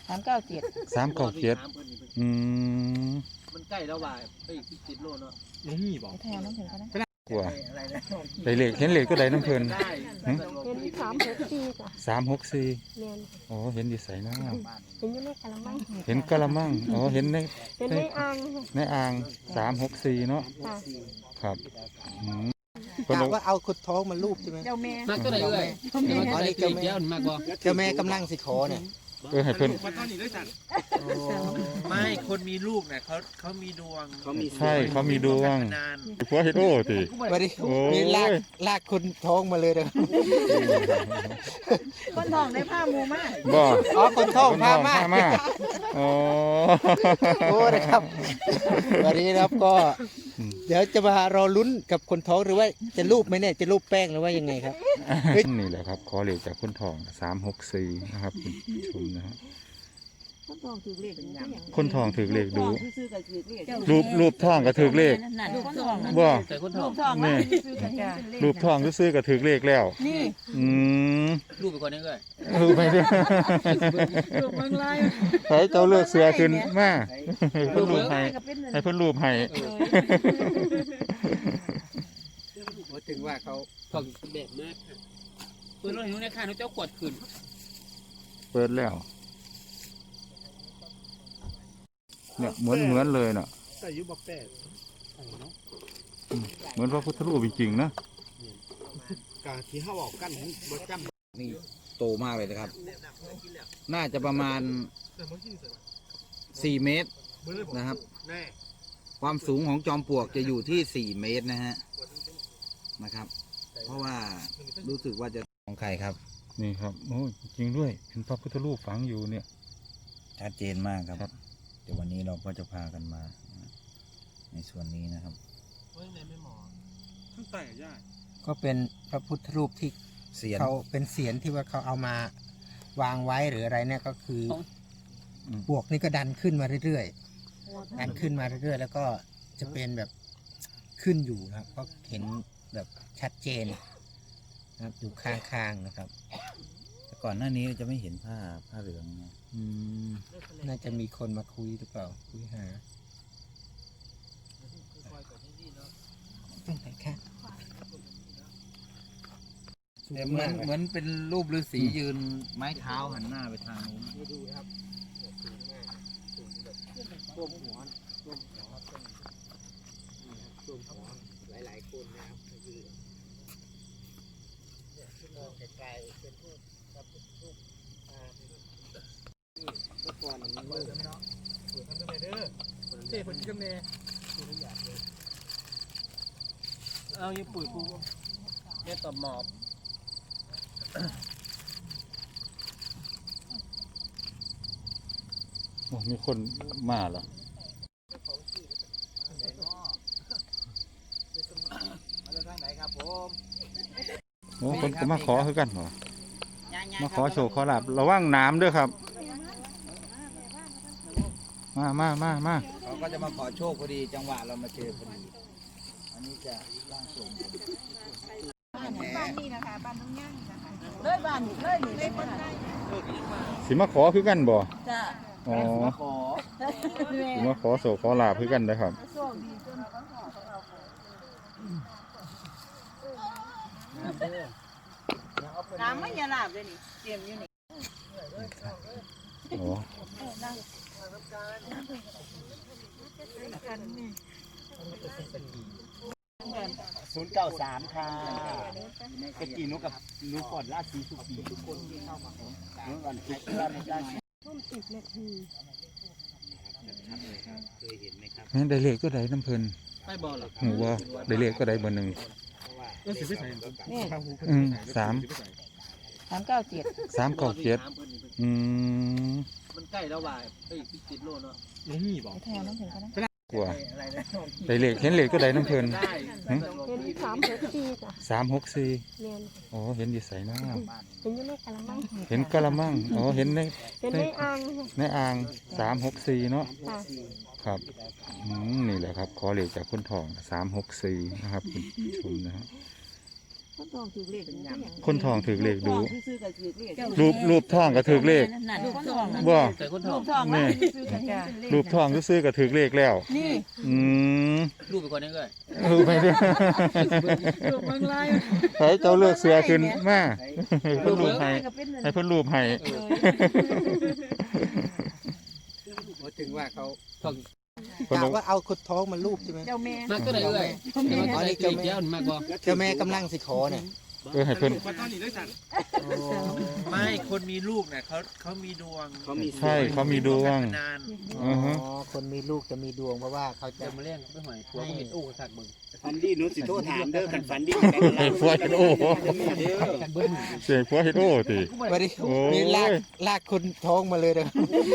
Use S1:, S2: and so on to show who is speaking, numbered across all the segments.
S1: 397
S2: 397อืม
S3: มันใกล้แล้วว่าไปอีก10 โลเนาะ
S4: นี่บอก
S1: แถวน้ำถึงกันนะ
S2: กว่าได้เลขเห็นเลขก็ได้น้ำเพิ่น
S3: ได้
S5: เห็น364จ้ะ
S2: 364
S5: แม่น
S2: อ๋อเห็นอยู่ไสเนาะ
S5: เห็นอยู่ในกะละมัง
S2: เห็นกะละมังอ๋อเห็นใน
S5: เห็นในอ่าง
S2: ในอ่าง364เนาะ
S5: ค่ะ
S2: ครับเพิ่น
S6: กะ
S2: บอก
S6: ว่าเอาขุดท้องมาลูบใช่ไหม
S1: เจ้าแม่
S3: มากก็ได้เลยอ๋อนี่เจ้าแม่มากกว่า
S6: เจ้าแม่กำลังสิขอเนี่ย
S2: ให้เพิ่น
S4: มาตอนนี้ด้วยสัตว์
S7: ไม่คนมีลูกเนี่ยเขามีดวง
S2: ใช่เขามีดวง
S7: นาน
S2: ผัวเฮ็ดโอ้ติ
S6: มาดิ
S2: โอ้ย
S6: นี่ลากคนท้องมาเลยนะ
S1: คนทองได้ผ้ามูมาก
S2: บ่
S6: อ๋อคนท้อง
S2: คน
S6: พา
S2: ทอง
S6: มา
S2: พามาอ๋อ
S6: โอ้นะครับวันนี้นะครับก็ เดี๋ยวจะมารอลุ้นกับคนท้องหรือว่าจะรูปไหมเนี่ยจะรูปแป้งหรือว่ายังไงครับ
S2: นี่แหละครับขอเลขจากคนทอง364นะครับคุณผู้ชมนะฮะ
S1: คนทองถือเลขเป็นอย่าง
S2: คนทองถือเลขดู
S1: ซื้อๆก็ถือเลข
S2: รูปทองก็ถือเลข
S1: นั่นคนทอง
S2: บ่
S3: แต่คนท
S1: ลู
S3: อง
S1: กทอง
S2: นี่
S1: ซื้อๆก็เห็นเป็นเลข
S2: รูปทองซื้อๆก็ถือเลขแล้ว
S1: นี่
S2: อืม
S3: ลูกไปก่อนนี่เลย
S2: รูปไปด้วย
S1: ลูกเมืองลาย
S2: ให้เจ้าเลือกเสือขึ้นมาให้เพิ่นรูปให้
S1: ก็เป็น
S2: ให้เพิ่นรูปให้
S6: ถึงว่าเขา
S3: ทองแบบมากค่ะปืนรถหิวในข้างเจ้าขวดขึ้น
S2: เปิดแล้วเนี่ยเหมือนเลยน่ะ
S4: แต่ยุบแปดเนาะ
S2: เหมือนพระพุทธรูปจริงๆนะ
S4: กาที่เขาบอกกันบ่จำ
S6: นี่โตมากเลยนะครับ น่าจะประมาณ4 เมตรนะครับ
S4: แน่
S6: ความสูงของจอมปลวกจะอยู่ที่4 เมตรนะฮะนะครับ เพราะว่ารู้สึกว่าจะของใครครับ
S2: นี่ครับโอ้ยจริงด้วยเป็นพระพุทธรูปฝังอยู่เนี่ย
S6: ชัดเจนมากครับ
S2: ครับ
S6: เดี๋ยววันนี้เราก็จะพากันมา ในส่วนนี้นะครับ
S4: ข้างใต้ย่า
S6: ก็เป็นพระพุทธรูปที่เขาเป็นเสียนที่ว่าเขาเอามาวางไว้หรืออะไรเนี่ยก็คือปลวกนี่ก็ดันขึ้นมาเรื่อยๆดันขึ้นมาเรื่อยๆ แล้วก็จะเป็นแบบขึ้นอยู่นะครับก็เห็นแบบชัดเจนนะครับอยู่ข้างๆนะครับแต่ก่อนหน้านี้จะไม่เห็นผ้าเหลืองนะน่าจะมีคนมาคุยหรือเปล่าคุยหาตรงไหนคะเหมือนเป็นรูปฤาษียืนไม้เท้าหันหน้าไปทางนู้นดูครับท่วมหัวหลายๆคนนะครับคือมองไกลๆเป็นรูปกับรูปเมื่อก่อนมันมืดเนาะทำทำไมเด้อเจ๊คนที่กำเนิด
S3: เอาอยู่ปุ๋ยปูเนี่ยตอบหมอบ
S2: โอ้มีคนมาแล้วโอ้คนก็มาขอคือกันเหรอมาขอโชว์ขอลาบระวังน้ำด้วยครับ มา
S6: เขาก็จะมาขอโชคพอดีจังหวะเรามาเจอพอดีอันนี้จะร่างทรง
S1: บ้านนี่นะคะบ้านน้องย่างนะคะเลยบ้านเลยนี่เลยคนได้
S2: สิมาขอคือกันบ่
S1: จ้ะ
S2: อ๋อ
S6: ขอ
S2: สิมาขอโชว์ขอลาบคือกันนะครับ
S1: โชคดีจนเขาขอน้ำไม่ยาลาบเลยนี่เตรียมอยู่นี่
S2: โอ้
S4: 093ค่ะตะกี้นุกับนุก่อนราชสีสุขีทุกคนที่เข้ามาขอนุก่อนคิดว่าไม่ได้
S2: แม่นได้เลขก็ได้น้ำเพลิน
S3: ไม่บอลหรอ
S2: หูว่าได้เลขก็ได้เบอร์หนึ่ง
S1: นี่
S2: 397 397อืม
S3: มันใกล้แล้วว่าไปอีก10 โลเนาะ
S4: นี่บอก
S1: แถวน้ำถึงกันนะ
S2: กว่าได้เลขเห็นเลขก็ได้น้ำเพลิน
S3: ได้
S5: เห็น364จ้ะ
S2: 364
S5: แม่น
S2: อ๋อเห็นอยู่ไสเนาะ
S5: เห็นอยู่ในกะละมัง
S2: เห็นกะละมังอ๋อเห็นใน
S5: เห็นในอ่าง
S2: ในอ่าง364เนาะ
S5: ค่ะ
S2: ครับนี่แหละครับขอเลขจากคนทอง364นะครับคุณผู้ชมนะฮะ
S1: คนทองถือเลขอย่าง
S2: คนทองถือเลขดู
S1: ซื้อกับถือเลข
S2: รูปทองก็ถือเลข
S1: ลูกทอง
S2: บ่
S3: แต่คนท
S1: ลู
S3: อง
S1: กทองนี่ซื้อกับเลข
S2: รูปทองซื้อๆก็ถือเลขแล้ว
S1: นี่
S2: อืม
S3: รูปไปก่อนนี่ก็
S2: รูปไปเด้อ
S1: ลูกเมืองลาย
S2: ให้เจ้าเลือกเสือขึ้นมาให้เพิ่นรูปให้ให้เพิ่นรูปให้
S6: ถึงว่าเขา
S2: เพิ่น
S6: กะ
S2: บอก
S6: ว่าเอาคนท้องมาลูบใช่ไหม
S1: เจ้าแม่
S3: มากตัวไหนเอ้ยมาตัวไหนเกี่ยวมากบ่
S6: เจ้าแม่กำลังสิขอเนี่ย
S2: ให้เพิ่น
S7: ไม่คนมีลูกเนี่ยเขามีดวง
S4: เขามี
S2: ใช่เขามีดวง
S7: นาน
S2: อือฮึ
S6: คนมีลูกจะมีดวงเพราะว่าเขาจะ
S3: เดี๋ยวมาเลี้ยงไปหอยผัวก็เห็นอู้สักมึง
S4: ฟันดี้นุสิโทษถามเด้อกันฟันดี้
S2: ให้ผัวเฮ็ดโอ้เสียงผัวเฮ็ดโอ้ติ
S6: ไม่ได้
S2: โอ้ย
S6: มีลากคนท้องมาเลยนะ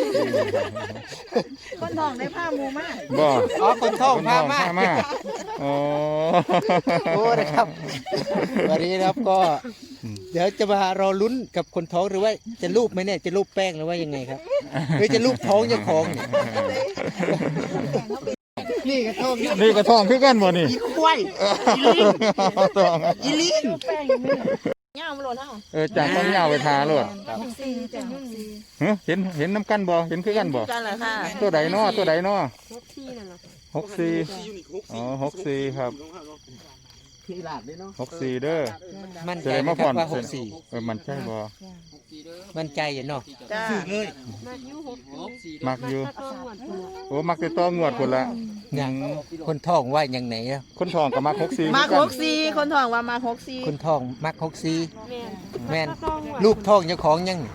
S1: คนทองได้ผ้ามูมาก
S2: บ่
S6: อ๋อคนท้องพามา
S2: มาอ๋อ
S6: โอ้นะครับวันนี้นะครับก็ เดี๋ยวจะมารอลุ้นกับคนท้องหรือว่าจะรูปไหมเนี่ยจะรูปแป้งหรือว่ายังไงครับหรือจะรูปท้องเจ้าของเนี่ยนี่ก็ท้อง
S2: นี่ก็ทองคือกันบ่นี่
S6: อีควายอีลิง
S2: ทอง
S6: อีลิง
S1: แป้งอยู่นี่เงามันหล่นเฮา
S2: จากต้องยาวไปทาโลด
S1: 64จ้ะ
S2: ฮะเห็นน้ำกันบ่เห็นคือกันบ่
S1: กันเหรอค่ะ
S2: ตัวใดน้อตัวใดน้อ
S5: ที่นั่นแหละ
S2: 64อ๋อ64ครับ
S3: ที่หลาดด้วยเนาะ
S2: 64เด้อ
S6: มั่น
S2: จะ
S6: ใจ
S2: ได้
S6: ไหม
S2: มา
S6: ค
S2: ผ่
S6: รั
S2: อบ น
S6: ว่า64
S2: มันใช่บ่
S6: มั่นใจอยู่เนาะ
S1: จ้า
S5: มายุ6
S2: มักอยู่
S5: ถ้าต้องหวดหัว
S2: โอ้มักติดต่องวดพุ่นละ
S6: อย่างคนท้องว่าอย่างไหนอะ
S2: คนทองก็มัก64
S1: มา
S2: คือกัน
S1: 64คนทองว่ามา64
S6: คนท้องมัก
S5: แม่น
S6: 64แม่น
S5: ถ้าต้องหวด
S6: ลูกท้องเจ้าของยัง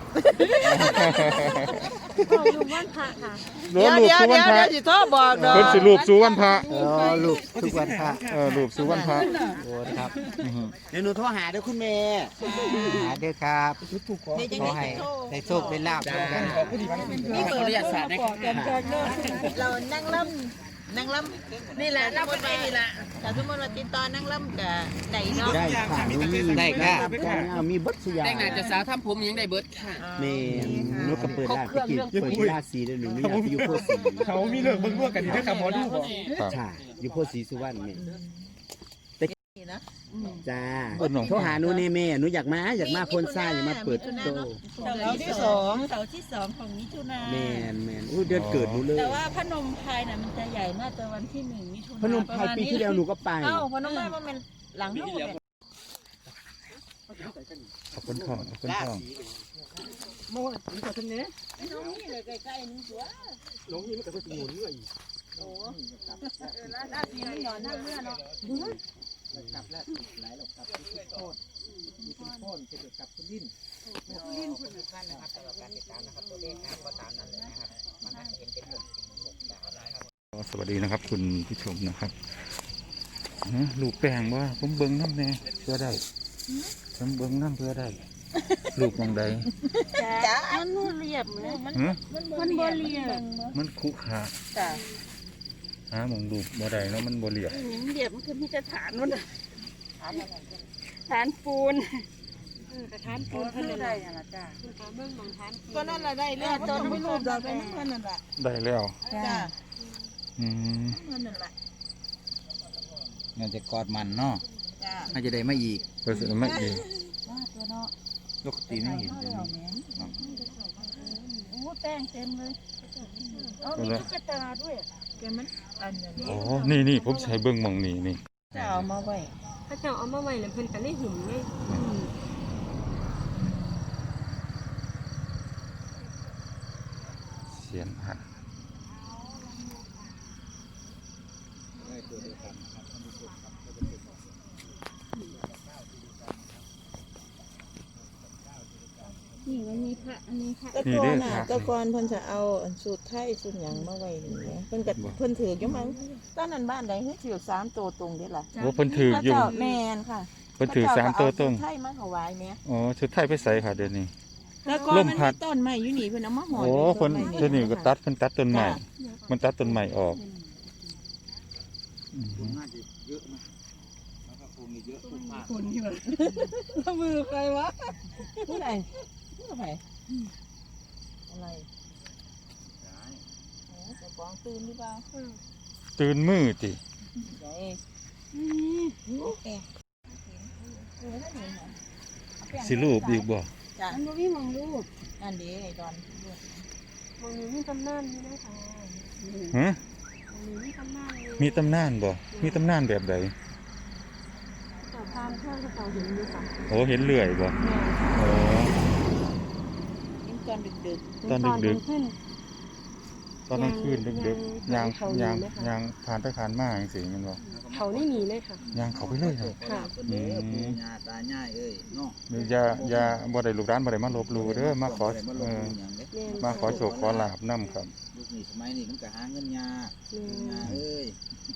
S5: ต้องอยู่บ้านพระค่ะ
S2: เดี๋ยวรูปสู่วันพระ
S1: สิโทรบอกดอก
S2: เพิ่นสิรูปสู่วันพระ
S6: อ๋อลูกทุกวันพระ
S2: รูปสู่วันพระ
S6: โอ้นะครับ
S2: อือฮึ
S4: เดี๋ยวหนูโทรหาเด้อคุณแม่
S6: หาเด้อครับขอให้ได้โชคได้ลาบกัน
S1: นี่
S3: ขออนุญาตสาดนะ
S1: เรานั่งล่ำนี่แหละนั่งบนไปนี่แหละแต่สมมติว่าติดต่อนั่งล่ำกับไหนเนาะ
S4: ได้ค่ะหนูมี
S6: ได้ค่ะ
S4: มีบัตรสยา
S3: แต่งหน้าจะสาวทำผมยังได้เบิดค่ะ
S4: แม่หนูก็เปิดร้านไปกินเปิดร้านสีเด้อหนูอยากไปอยู่โพธิ์ศรี
S7: เขามีเรื่องเบิ่งร่วมกันอยู่ด้วยครับหมอดูบอก
S2: ครับ
S4: ใช่อยู่โพธิ์ศรีสุวรรณแม่
S1: นี่นะ
S4: จ้าโทรหาหนูแน่แม่หนูอยากมาพ่นทรายอยากมาเปิดโต
S1: เสาที่สอง
S8: เสาร์ที่สองของมิถุนา
S4: แม่นอู้เดือนเกิดหนูเลย
S8: แต่ว่าพนมไพรน่ะมันจะใหญ่น่าจะวันที่1 มิถุนา
S4: พนมไพรปีที่แล้วหนูก็ไป
S8: เอ้าพนมไพรมันเป็นหลังเท่าไหร่
S2: ขอบคุณทองขอบคุณทอง สวัสดีนะครับคุณผู้ชมนะครับลูกแป้งว่าผมเบิ้งน้ำแน่เพื่อได้ผมเบิ้งน้ำเพื่อได้ ลูกมองใด
S8: จ้ามันเรียบเลยมัน
S2: ฮะ
S8: มันบ่เรียบ
S2: มันคุกขา
S8: จ้า
S2: หามองลูกบ่ได้เนาะมันบ่เรียบ
S8: มันเรียบมันคือมีแต่ฐานมันฐานปูน
S5: ฐานปูน
S8: เท่า
S5: เท่า
S8: ไห
S5: ไห
S8: ร่
S5: ร่
S8: ล่ะจ้า
S5: เบิ่งบางฐานปูน
S1: ก็นั่นแหละได้แล้วตอนไม่รูปดอกไปนั่นคนนั่นแหละ
S2: ได้แล้ว
S1: จ้า
S2: อืม
S1: คนนั่นแหละ
S4: น่าจะกอดมันเนาะ
S1: จ้า
S4: น่าจะได้มาอีก
S2: เพื่อสิไม่เอง
S8: ตัวเนาะ
S4: ปกติไม่เห็นเลย
S8: โอ้แป้งเต็มเลยเอามีตุ๊กตาด้วย
S1: แกมันอันนี้
S2: อ๋อนี่ผมใช้เบิ้งหมองนี่
S1: จะเอามาไว้
S5: ถ้าเจ้าเอามาไว้แล้วเพิ่นก็ได้หุ่มไง
S2: เสียนหัก
S8: นี่มันมีพระอันนี้พระ
S1: ตะกอนน่ะตะกอนเพิ่นจะเอาสูตรไทยสูตรหยังมาไว้นี่แหละเพิ่นก็เพิ่นถืออยู่มั้งตอนนั้นบ้านใดเฮ็ดถือ3ตัวตรงเด้ล่ะ
S2: โอ้เพิ่นถืออยู่
S1: เจ้าแม่นค่ะ
S2: เพิ่นถือ3ตัวตรง
S1: เพิ่นเอาสูตรไทยมาถวายแม่
S2: อ๋อชุดไทยไปใส่ค่ะเดี๋ยวนี้
S1: แล้วก็
S2: ล
S1: มัน
S2: มพั
S1: มี
S2: ด
S1: ต้นไม้อยู่นี่เพิ่นเอามาห่อ
S2: โอ้
S1: อยู่
S2: เพิ่น
S1: ต้ไม้
S2: เดี๋ยวนี้ก็ตัดเพิ่นตัดต้นใหม่
S1: จ้ะ
S2: มันตัดต้นใหม่ออกอืม
S1: คนที่แบบมือใครวะผู้ใดผู้ใดอะไรโอ้เจ้าของตื่นหรือเปล่า
S2: ตื่นมือติ
S1: ไหน
S2: สิรูปอีกบ่
S1: จ้ะ
S5: มันบ่มีหมองรูป
S1: นั่นดีไอ้ดอน
S5: หมองนี้มีตำนานนี่นะคะ
S2: ฮะ
S5: หมองนี้มีตำนานนี่
S2: มีตำนานบ่มีตำนานแบบใด
S5: ต่อตามเครื่องกระเป๋าเห็นอยู่ค่ะ
S2: โอ้เห็นเลื่อยบ่
S5: แม่
S2: โอ้
S1: ยิ่งตอนดึก
S2: ตอนดึก
S5: ขึ้น
S2: ตอนกลางคืนดึกๆยาง
S5: เขาอยู่
S2: ยาง
S5: ไหมคะ
S2: ยางผ่านไปผ่านมาจังซี่แมันบ่
S5: เขานี่หนีเลยค่ะ
S2: ยางเขาไปเลยเนาะ
S5: ค่ะ
S2: อืม
S4: ญาตาย่ายเอ้ยเนาะ
S2: อย่าบ่ได้ลูกร้านบ่ได้มาลบหลู่เด้อมาขอ
S4: มาล
S2: เอง อ
S4: อย่างเด้
S5: แม่น
S2: มาขอโชคขอลาบนํครับ
S4: ยุคนี้สมัยนี้มันก็หาเงินยาก
S5: แม่น
S4: ยาเอ้ย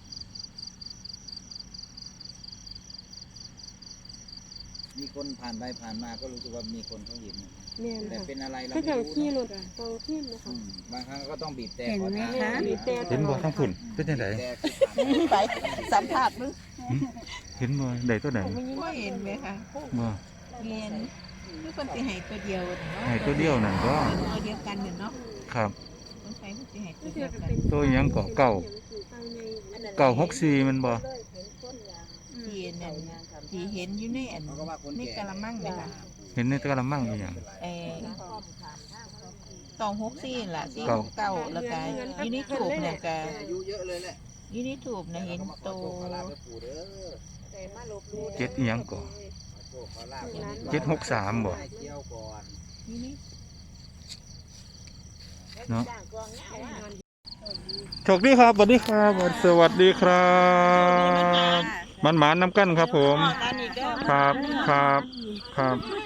S4: มีคนผ่านไปผ่านมาก็รู้สึกว่ามีคนเขาเห็น
S5: แม่น
S4: แต่
S5: ค่ะ
S4: เป็นอะไรเรา
S5: คือ
S4: ไม่
S5: จัง
S4: รู้
S5: ขี่ร
S4: เนาะ
S5: ถตรงขึ้นนะคะ
S4: บางครั้งก็ต้องบีบแต่
S8: เห็นไหมคะ
S5: บีบแต่
S2: เห็นบ่ทั้งฝุ่นเป็นจังได
S4: แต่คือผ่าน
S1: ๆไปสัมผัสมึง
S2: เห็นบ่ได้ตัวไหน
S1: ไม่เห็นไหมคะ
S2: บ่
S1: เรียนคือคนสิให้ตัวเดียวเนาะ
S2: ให้ตัวเดียวนั่นก็
S1: ตัวเดียวกันเนี่ยเนาะ
S2: ครับ
S1: คนไทยมันสิให้ตัว
S5: เดี
S1: เดี
S5: ย
S1: ยว ว
S5: กั
S1: กัน น
S5: เป็น
S2: ตัวหยังก็เก่า964มันบ่
S1: ที่นั่นที่เห็นอยู่ในอัน
S4: เขาก็ว่าคน
S1: ใน
S4: แก่
S1: กะละมังเนี่ยค่ะ
S2: เห็นในกระมังอีหยัง
S1: 264ล่ะ
S2: เก้า
S1: 469แล้วก็อยู่ในถูกเนี่ยก็
S4: อายุเยอะเลยแหละ
S1: อยู่ในถูกเนี่ยเห็นโต
S4: ขอลาบปู่เด้อ
S2: เจ็ดอีหยังก็
S4: ขอโชคขอลาบ
S2: 763บ่
S4: ให้เกี่ยวก่อน
S1: อยู่นี่
S2: เนาะโชคดีครับสวัสดีครับสวัสดีครับมันหมานน้ำกันครับผม
S1: กันอีกแล้ว
S2: ครับครับ